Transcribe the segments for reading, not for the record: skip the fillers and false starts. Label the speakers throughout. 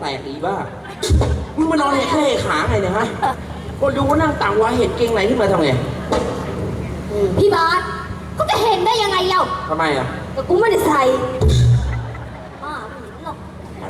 Speaker 1: แตกอีบ้ามึงมานอนแค่ขาไงเนี่ยฮะคนดูว่านั่งต่างวาเห็นเกงไหนขึ้นมาทำไง
Speaker 2: พี่บาสก็จะเห็นได้ยังไงเล่า
Speaker 1: ทำไมอ่ะ
Speaker 2: แต่กูไม่ได้ใส่ป้าไม่เห็นหรอก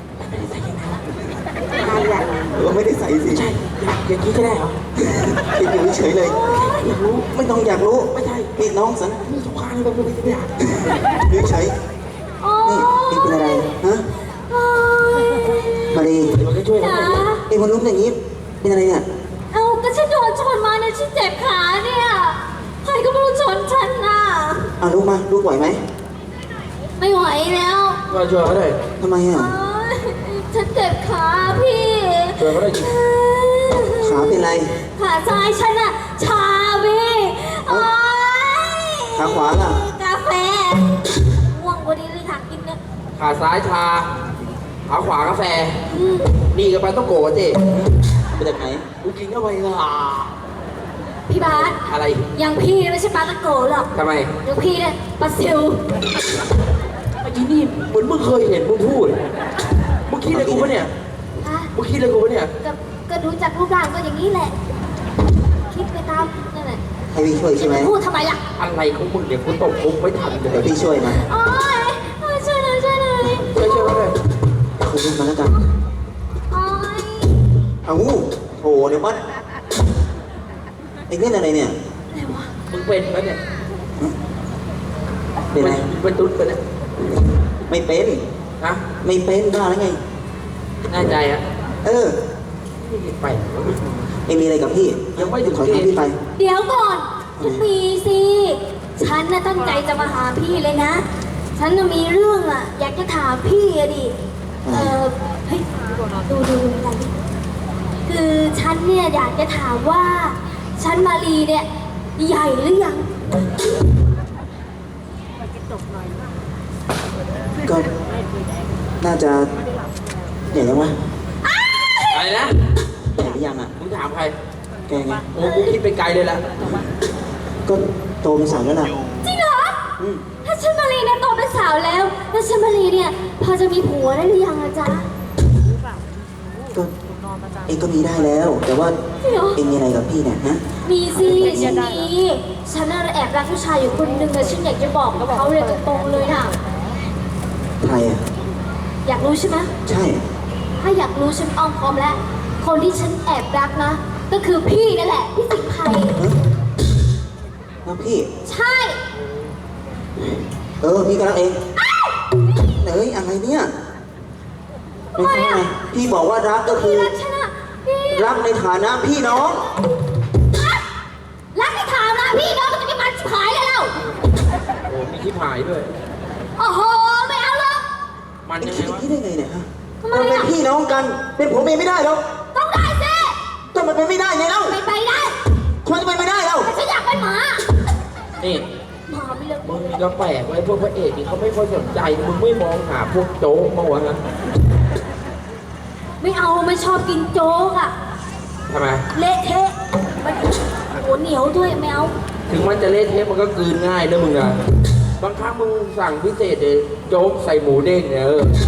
Speaker 3: ไม่ได้ใส่สิ
Speaker 1: ใช่อย่างนี้ก็ได้เหรอ
Speaker 3: ติดอยู่เฉยเลยอยากรู้ไม่ต้องอยากรู้
Speaker 1: ไม่ใช่
Speaker 3: นี่น้องสัน
Speaker 1: มีสงครามอะไรแบบนี้ไม่อยาก
Speaker 3: อยู่เฉยนี่นี่เป็นอะไรฮะมาดี
Speaker 1: มันก็ช่วยนะ
Speaker 3: ไอ้คนลุกอย่างนี้เป็นอะไรเนี่ย
Speaker 2: เอาก็ฉันโดนชนมาเนี่ยฉันเจ็บขาเนี่ยใครก็ไม่รู้ชนฉันน่ะ
Speaker 3: ลุกมาลุกไหวไหม
Speaker 2: ไม่ไหวแล้ว
Speaker 1: ก็ช่วยเขาได้
Speaker 3: ทำไมอ่ะ
Speaker 2: ฉันเจ็บขาพี่
Speaker 1: ช่วยเขาได้จริง
Speaker 3: ขาเป็นไร
Speaker 2: ขาซ้ายฉันอะชาพี่
Speaker 3: ขาขวาล่ะ
Speaker 2: กาแฟง่วงวันนี้เลยค่ะกินเนี่ย
Speaker 1: ขาซ้ายชาขาขวากาแฟนี่กับปลาต้องโกะเจ๊
Speaker 3: ไปจากไหน
Speaker 1: กูกินเข้าไปล่ะ
Speaker 2: พี่บาส
Speaker 1: อะไร
Speaker 2: ยังพี่ไม่ใช่ปลาตะโกหรอก
Speaker 1: ทำไม
Speaker 2: ยังพี่เนี่ยปลาซิว
Speaker 1: ไอ้ที่นี่เหมือนมึงเคยเห็นมึงพูดมึงคิดอะไรกูปะเนี่ยมึงคิดอะไรกูปะเนี่ย
Speaker 2: ก็ดูจากรูปร่างก็อย่างนี้แหละคิดไปตามนั่นแหละ
Speaker 3: ให้พี่ช่วยใช่ไหม
Speaker 2: พูดทำไมล่ะ
Speaker 1: อะไรของมึงเดี๋ยวกูตบคุกไม่ทันเลย
Speaker 3: พี่ช่วยนะ
Speaker 2: โอ๊ยช่วยเลย
Speaker 1: ช่วยเลย
Speaker 3: คุณลุกมาแล้วกัน
Speaker 2: โอ๊ย
Speaker 3: โถเดี๋ยวมันไอ้เล่นอะไรเนี่ย
Speaker 1: มึงเป็นปะเนี่ย
Speaker 3: เป็นไร
Speaker 1: เป็นตุ๊ดปะเนี่ย
Speaker 3: ไม่เป็น
Speaker 1: ฮะ
Speaker 3: ไม่เป็นบ้าแล้วไง
Speaker 1: แน่ใจอ่ะไป
Speaker 3: ไม่มีอะไรกับพี่
Speaker 1: ยังไม่ถึง
Speaker 3: ขอให้พี่ไป
Speaker 2: เดี๋ยวก่อนจะมีสิฉันน่ะตั้งใจจะมาหาพี่เลยนะฉันน่ะมีเรื่องอ่ะอยากจะถามพี่อะดิเฮ้ยดูอะไรคือฉันเนี่ยอยากจะถามว่าฉันมารีเนี่ยใหญ่หรือยัง
Speaker 3: ก็น่าจะใหญ่แล้ววะ
Speaker 1: อะไรนะ
Speaker 3: ใหญ่หรือยังอ่ะ
Speaker 1: มึงถามใคร
Speaker 3: แกไง
Speaker 1: โอ้กูคิดไปไกลเลยละ
Speaker 3: ก็โตเป็นสาวแล้วล่ะ
Speaker 2: จริงเหรอถ้าฉันมารีเนี่ยโตเป็นสาวแล้วฉันมารีเนี่ยพอจะมีผัวได้หรือยังอะจ๊ะ
Speaker 3: ก็เองก็มีได้แล้วแต่ว่าเองมีอะไรกับพี่เนี่ยฮะ
Speaker 2: มีสิฉันมีฉันแอบรักผู้ชายอยู่คนหนึ่งเลยฉันอยากจะบอกกับเขาเลยตรงๆเลยน่ะ
Speaker 3: ใครอ่ะ
Speaker 2: อยากรู้ใช่ไหม
Speaker 3: ใช่
Speaker 2: ถ้าอยากรู้ฉันอ้อมพร้อมแล้วคนที่ฉันแอบรักนะก็คือพี่นั่นแหละพี่สิงห์ไพ
Speaker 3: แล้วพี่
Speaker 2: ใช่
Speaker 3: พี่ก็รักเองอะไรเนี่ย
Speaker 2: ทำไมอ่ะ
Speaker 3: พี่บอกว่ารักก็คือรักในฐานะพี่น้อง
Speaker 2: รักในฐานะพี่น้องจะมีมันชิบหายเลยเรา
Speaker 1: โอ้มีชิบหายด้วย
Speaker 2: โอ้โหไม่เอาหรอก
Speaker 1: มันยังไงวะ
Speaker 3: คิดได้ไงเนี่ยฮะเราเป็นพี่น้องกันเป็นผมเองไม่ได้หรอก
Speaker 2: ต้องได้สิ
Speaker 3: แต่มันเป็นไม่ได้ไงเล่า
Speaker 2: ไปได้
Speaker 3: ควรจะไปไม่ได้เล่า
Speaker 2: แต่ฉันอยากเป็นหมา
Speaker 1: นี่
Speaker 2: หมาไม่เลิก
Speaker 1: มึงมีกระแปลกไว้พวกพระเอกนี่เขาไม่ค่อยสนใจมึงไม่มองหาพวกโจ๊กมาวะนะ
Speaker 2: ไม่เอาไม่ชอบกินโจ๊กอ่ะ
Speaker 1: ทำไม
Speaker 2: เละเทะมันหัวเหนียวด้วยไม่เอา
Speaker 1: ถึงมันจะเละเทะมันก็กลืนง่ายนะมึงอะบางครั้งมึงสั่งพิเศษเลยโจ๊กใส่หมูเด้งเนี่ย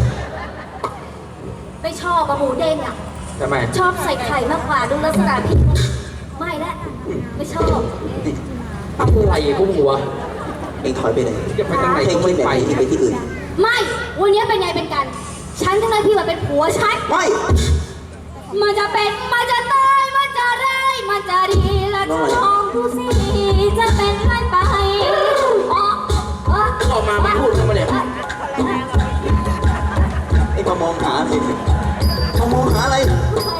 Speaker 2: ไม่ชอบหมูเด้งอ่ะ
Speaker 1: ทำไม
Speaker 2: ชอบใส่ไข่มากกว่าดูลักษณะพี่ไม่ละไม่ชอบ
Speaker 1: อะไรพวกหัว
Speaker 3: เองถอยไปไหน
Speaker 1: จะไปทางไหนก็ไม่ไป
Speaker 3: ที่อื่น
Speaker 2: ไม่วันนี้เป็นไงเป็นกันฉันทั้งนั้นพี่มาเป็นผัวฉัน
Speaker 3: ไม่
Speaker 2: มันจะเป็นมันจะตายมันจะร้ายมันจะดีและจะลองดูสิจะเป็นไรไป
Speaker 1: ออกมาไม่พูดทำไมเนี่ย
Speaker 3: ไอ้มามองหาอะไรมามองหาอะไร